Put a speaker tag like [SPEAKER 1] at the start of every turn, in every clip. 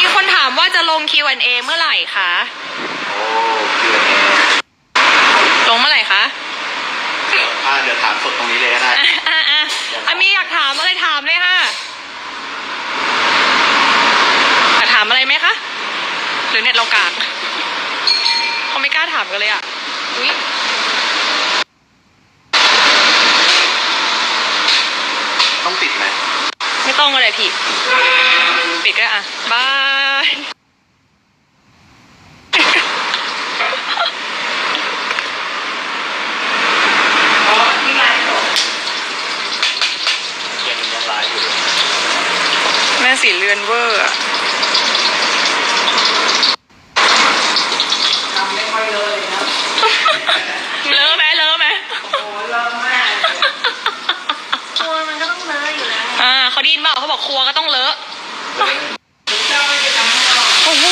[SPEAKER 1] มีคนถามว่าจะลง Q&A เมื่อไหร่คะ
[SPEAKER 2] โอ้ Q&A
[SPEAKER 1] ลงเมื่อไหร่คะ
[SPEAKER 2] เดี๋ยวถามสดตรงนี้เลยก็ได้
[SPEAKER 1] มีอยากถามอะไรถามเลยค่ะอยากถามอะไรไหมคะหรือเน็ตเรากากเขาไม่กล้าถามกันเลยอ่ะอุ๊ย
[SPEAKER 2] ต้องปิดไหม
[SPEAKER 1] ไม่ต้องอะไรพี่ปิดก็อ่ะบายแม่สีเลือนเวอร์อะ
[SPEAKER 3] ทำไม่ค่อยเลยนะ
[SPEAKER 1] เลอะไหมเลอะไหม
[SPEAKER 3] โอ้เลอะมากครัวมันก็ต้องเลอะอยู่แล้ว
[SPEAKER 1] เขาได้ยินเปล่าเขาบอกครัวก็ต้องเลอะ
[SPEAKER 3] เจ้าไม่ได้ทำให้เรา
[SPEAKER 1] โอ้โห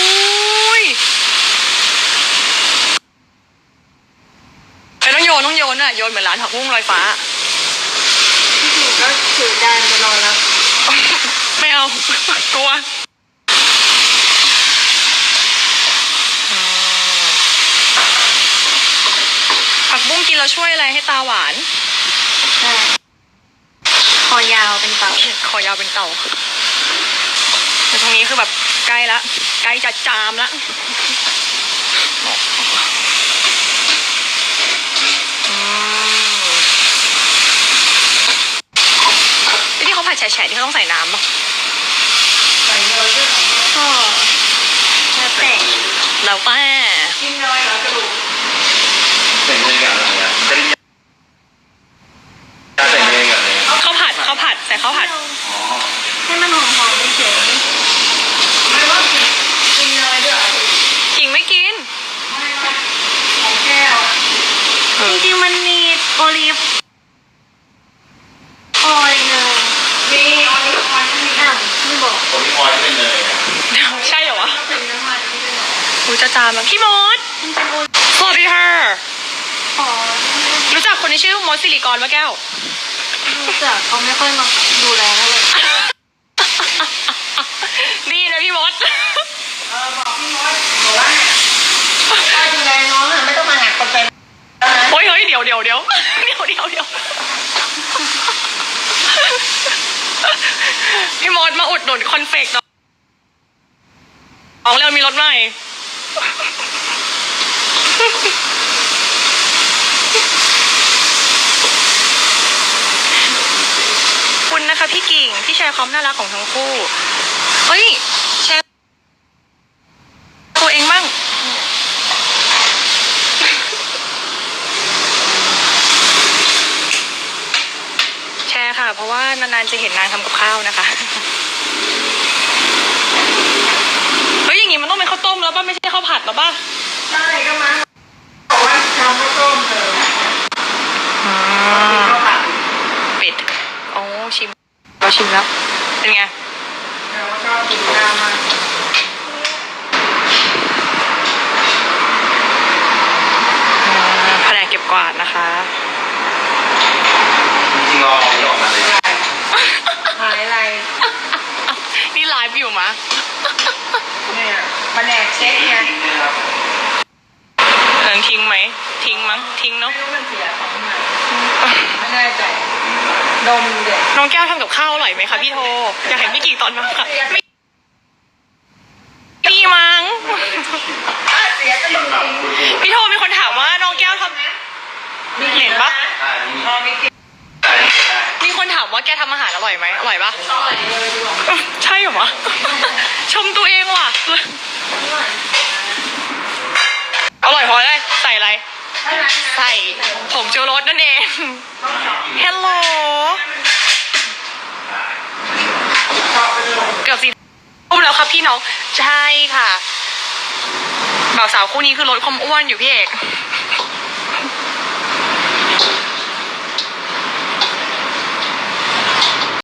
[SPEAKER 1] ต้องโยนอ่ะโยนเหมือนร้านผักบุ้งลอยฟ้า
[SPEAKER 3] ที่ถูกก็ถือจานไปรอแล้ว
[SPEAKER 1] ไม่เอากลัวผักบุ้งกินแล้วช่วยอะไรให้ตาหวาน
[SPEAKER 3] ใช่คอยาวเป็นเต่า
[SPEAKER 1] คอยาวเป็นเต่าแต่ตรงนี้คือแบบใกล้ละใกล้จะจามละที่เขาผัดแฉะๆที่เขาต้องใส่น้ำป่ะ
[SPEAKER 3] ใส่เยอะด้วยก็แล้วแต่
[SPEAKER 1] แล้วแต่
[SPEAKER 3] กินน้อยแล้วกระดูก
[SPEAKER 2] ใส่เนยกับอะไรอ่ะใส่เนยกับอะไร
[SPEAKER 1] ข้าวผัดใส่ข้าวผัด
[SPEAKER 3] ให้มันหอมๆเฉยๆไม่ว่ากินเนยด้วย
[SPEAKER 1] กิ่งไม่กิน
[SPEAKER 3] ไม่ว่าของแก้วจริงๆมันมีโอลิฟออยล์เลยมีออลิฟออยล์ไม่มีไม่บอก
[SPEAKER 2] โอลิฟออยล์เป็นเนย
[SPEAKER 1] ใช่เหรอวะ
[SPEAKER 3] เป็นน้ำมันไม่ได้
[SPEAKER 1] รู้จะจามแล้วพี่มดสวัสดีค่ะรู้จักคนที่ชื่อมดสิริกรปะแก้ว
[SPEAKER 3] รู้จักเขาไม่ค่อยมาดูแลเลย
[SPEAKER 1] ดีนะพี่มด
[SPEAKER 3] บอกพี่มดบอกว่าถ้าดูแลน้องไม่ต้องมาหาคนเป็น
[SPEAKER 1] เฮ้ยเดี๋ยวพี่มดมาอุดหนุนคอนเฟกต์น้องแล้วมีรถใหม่คุณนะคะพี่กิ่งที่แชร์ความน่ารักของทั้งคู่เฮ้ยแชร์ตัวเองบ้างแชร์ค่ะเพราะว่านานๆจะเห็นนางทำกับข้าวนะคะเฮ้ยอย่างงี้มันต้องเป็นข้าวต้มแล้วป่ะไม่ใช่ข้าวผัดหรอป่ะ
[SPEAKER 3] ใช่ก็มาบอกว่าทำข้าวต้มเถอะข้าวผัด
[SPEAKER 1] เป็ดโอ้ชิมเราชิมแล้วเป็นไง
[SPEAKER 3] เราชอบกินน้ำมาก
[SPEAKER 1] แผนกเก็บกวาดนะคะ
[SPEAKER 2] จริงๆรอออกมาเลย
[SPEAKER 3] หายอะไร
[SPEAKER 1] นี่ไลฟ์อยู่มะ
[SPEAKER 3] เนี่ยแผนกเช็คไง
[SPEAKER 1] ทิ้งไหมทิ้งมั้งทิ้งเนาะ
[SPEAKER 3] ไม่รู้มันเสียของไหนไม่แน่ใจดมเด็ก
[SPEAKER 1] น้องแก้วทำกับข้าวอร่อยไหมคะพี่โทอยากเห็นพี่กี่ตอนมาค่ะไม่ดีมั้งพี่โทมีคนถามว่าน้องแก้วทำเห็นปะมีคนถามว่าแกทำอาหารอร่อยไหมอร่อยปะใช่เหรอวะชมตัวเองว่ะอร่อยเพราะอะไรใส่อะไรใส่ผงชูรสนั่นเองฮัลโหลเกือบ4 ทุ่มแล้วครับพี่น้องใช่ค่ะบ่าวสาวคู่นี้คือลดความอ้วนอยู่พี่เอก